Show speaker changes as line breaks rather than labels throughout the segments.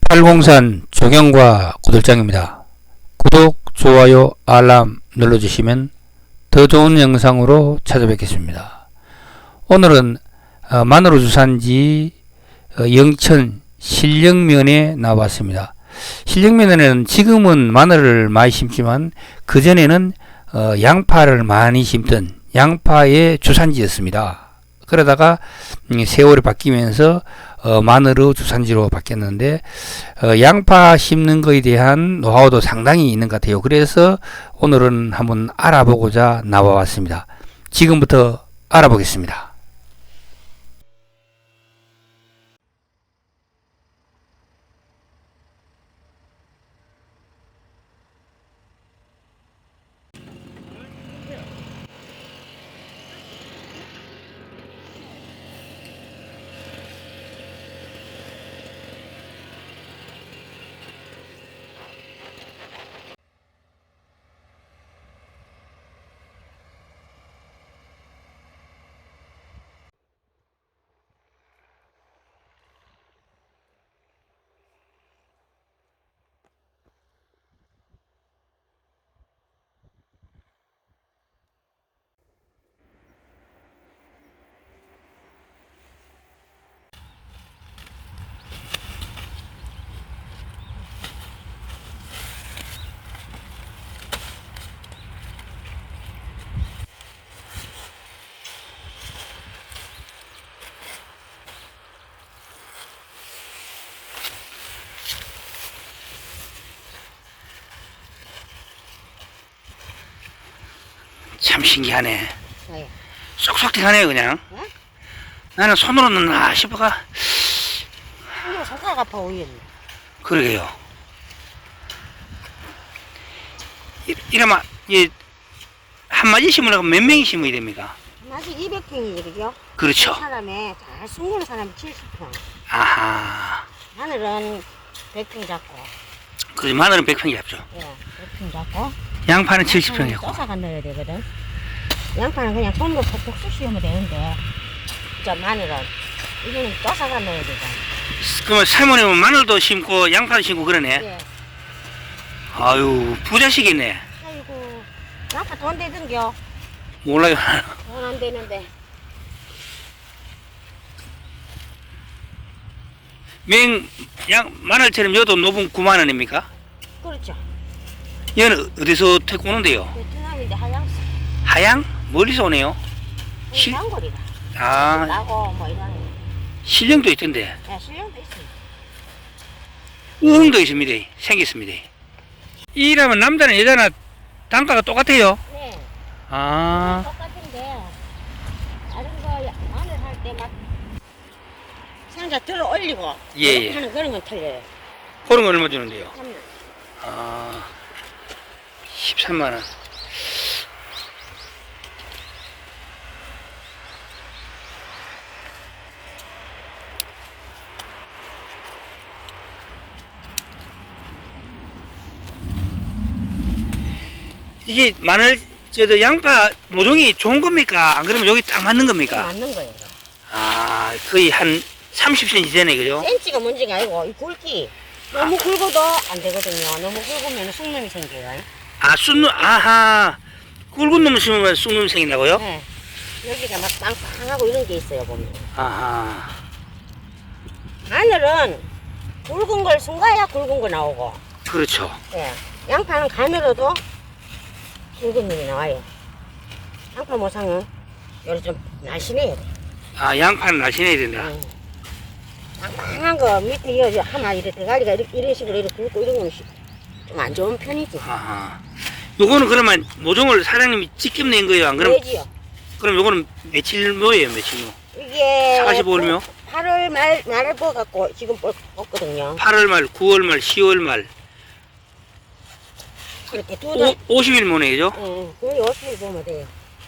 팔공산 조경과 구들장입니다. 구독, 좋아요, 알람 눌러주시면 더 좋은 영상으로 찾아뵙겠습니다. 오늘은 마늘 주산지 영천 신령면에 나왔습니다. 신령면에는 지금은 마늘을 많이 심지만 그전에는 양파를 많이 심던 양파의 주산지였습니다. 그러다가 세월이 바뀌면서 마늘의 주산지로 바뀌었는데 양파 심는 것에 대한 노하우도 상당히 있는 것 같아요. 그래서 오늘은 한번 알아보고자 나와왔습니다. 지금부터 알아보겠습니다. 참 신기하네.
네.
쏙쏙 하네요 그냥.
네?
나는 손으로 넣나 싶어가.
이거 손가락 아파 오겠네.
그러게요. 이러면 한 마디 심으려고 몇 명이 심어야 됩니까?
아직 200평이지 그죠?
그렇죠.
한 사람에 잘 숨기는 사람이 70평.
아하.
하늘은 100평 잡고.
그래서 마늘은 100평이 잡죠.
예, 100평 잡고.
양파는 70평이고.
쪄사가 넣어야 되거든. 양파는 그냥 손으로 톡톡 쑤시면 되는데, 저 마늘은 이거는 쪄사가 넣어야 되잖아.
그러면 사모님은 마늘도 심고 양파도 심고 그러네.
예.
아유 부자식이네.
아이고, 양파 돈 되던겨.
몰라요.
돈 안 되는데.
마늘처럼 여도 노분 9만 원입니까?
그렇죠.
얘는 어디서 태고 오는데요?
베트남인데 하양스.
하양? 멀리서 오네요. 실-
장거리가.
아,
나고 뭐 이런.
실령도 있던데.
예, 실력도 있습니다.
의흥도 있습니다. 생겼습니다. 이라면 남자는 여자나 단가가 똑같아요.
네.
아,
똑같은데 다른 거 마늘 할 때 막 상자 들어 올리고
예, 예.
이렇게 하는 그런 건 틀려요.
그런 건 얼마 주는데요?
3년.
아, 13만 원. 이게 마늘, 양파 모종이 좋은 겁니까? 안 그러면 여기 딱 맞는 겁니까?
맞는 거예요.
아, 거의 한 30cm 되네, 그죠?
센치가 문제가 아니고 이 굵기 너무 굵어도 안 되거든요. 너무 굵으면 쑥놈이 생겨요.
아, 아하. 굵은 놈을 심으면 쑥놈이 생긴다고요?
네. 여기가 막 빵빵하고 이런 게 있어요 보면.
아하.
마늘은 굵은 걸 숨가야 굵은 거 나오고.
그렇죠.
예. 양파는 가늘어도 굵은 놈이 나와요. 양파 모상은 요리 좀 날씬해야 돼.
아, 양파는 날씬해야 된다.
빵빵한 거 밑에 이어 하나 이렇게 대가리가 이런 식으로 이렇게 굵고 이런 거는 좀 안 좋은 편이지.
아하. 요거는 그러면 모종을 사장님이 직접 낸 거예요? 안 그럼?
왜지요?
그럼 요거는 며칠 묘예요, 며칠 묘?
이게
45일 묘?
8월 말에 뽑아갖고 지금 뽑거든요.
8월 말, 9월 말, 10월 말.
이렇게 두 달.
50일 모네, 그죠?
응, 거의 50일 보면 돼요.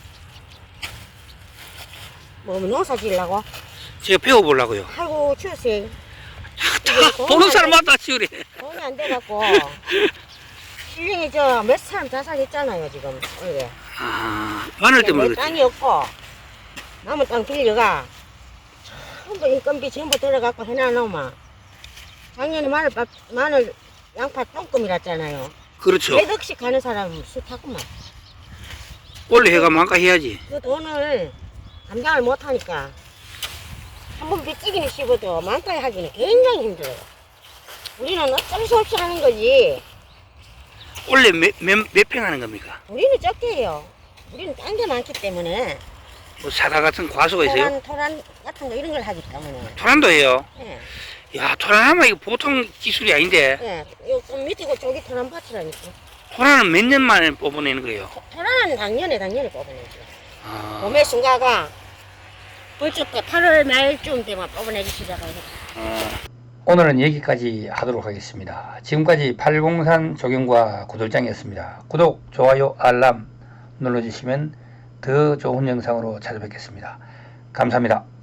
뭐 농사 지으려고?
제가 배워보려고요.
아이고 추세요.
보는 사람마다 치우래.
돈이 안 돼갖고 실령이 저 몇 사람 자살했잖아요 지금 올해.
아, 마늘 때문에
내
그렇지.
땅이 없고 남은 땅 빌려가 전부 인건비 전부 들어갖고 해놔놓으면 작년에 마늘 양파 똥금이랐잖아요.
그렇죠.
몇 억씩 가는 사람은 싫다구만.
원래 해가 만까 해야지.
그 돈을 감당을 못하니까 한번 빚지기는 씹어도 만까지 하기는 굉장히 힘들어요. 우리는 어쩔 수 없이 하는 거지.
원래 몇 평 하는 겁니까?
우리는 적게 해요. 우리는 딴 게 많기 때문에
뭐 사다 같은 과수가 있어요?
토란 같은 거 이런 걸 하기 때문에.
토란도 해요.
예.
야, 토란하면 이거 보통 기술이 아닌데.
예. 요좀 밑이고 저기 토란 밭이라니까.
토란은 몇 년 만에 뽑아내는 거예요?
토란은 작년에 뽑아내죠.
아,
봄에 순가가 벌써 8월 말쯤 되면 뽑아내기 시작하고.
오늘은 여기까지 하도록 하겠습니다. 지금까지 팔공산 조경과 구돌장이었습니다. 구독, 좋아요, 알람 눌러주시면 더 좋은 영상으로 찾아뵙겠습니다. 감사합니다.